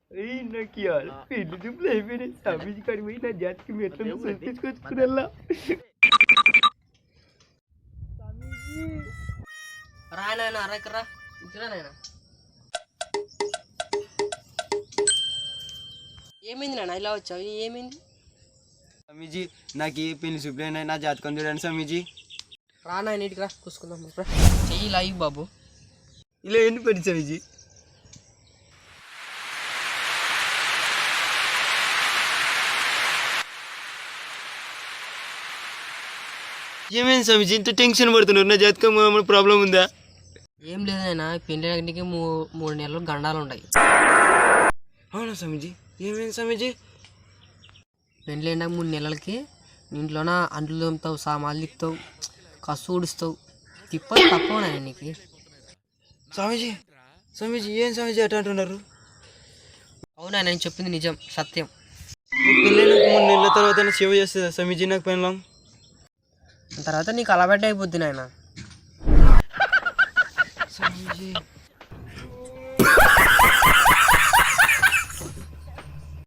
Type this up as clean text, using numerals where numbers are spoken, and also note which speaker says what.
Speaker 1: నాకు పెళ్లి చూపులు అయిపోయినాయి. స్వామీజీ కాడికి పోయి నా జాతికి మెట్లను చూపించుకొచ్చుకునేలా.
Speaker 2: రాయనా అరకరా ఇట్లా నాయన. ఏమైంది నాన్న ఇలా వచ్చావు? ఏమైంది?
Speaker 1: స్వామీజీ నాకు పెళ్లి చూపులైనా నా జాతకం చూడండి స్వామీజీ.
Speaker 2: రానా నీటికి రా చూసుకుందాం. చెయ్యి లాయి బాబు.
Speaker 1: ఇలా ఎందుకు పడి స్వామీజీ? ఏమైంది స్వామీజీ ఇంత టెన్షన్ పడుతున్నారు? నా జాతకం ఏమైనా ప్రాబ్లం ఉందా?
Speaker 2: ఏం లేదు నాయన, పెళ్ళికి 3 నెలలు గండాలు ఉన్నాయి.
Speaker 1: అవునా స్వామీజీ? ఏమైంది స్వామీజీ?
Speaker 2: పెళ్ళి అయినాక 3 నెలలకి ఇంట్లోన అంట్లు తోముతావు, సామాన్లు తిప్పుతావు, కసు ఊడుస్తావు. తిప్పలు తప్పవు నాయన నీకు.
Speaker 1: స్వామీజీ స్వామీజీ ఏం స్వామీజీ అట్లా అంటున్నారు?
Speaker 2: అవునా నేను చెప్పింది నిజం, సత్యం.
Speaker 1: పెళ్ళైన 3 నెలల తర్వాత సేవ చేస్తుందా స్వామీజీ నాకు పెళ్ళాం?
Speaker 2: తర్వాత నీకు అలవాటు అయిపోద్ది నాయన.
Speaker 1: స్వామీజీ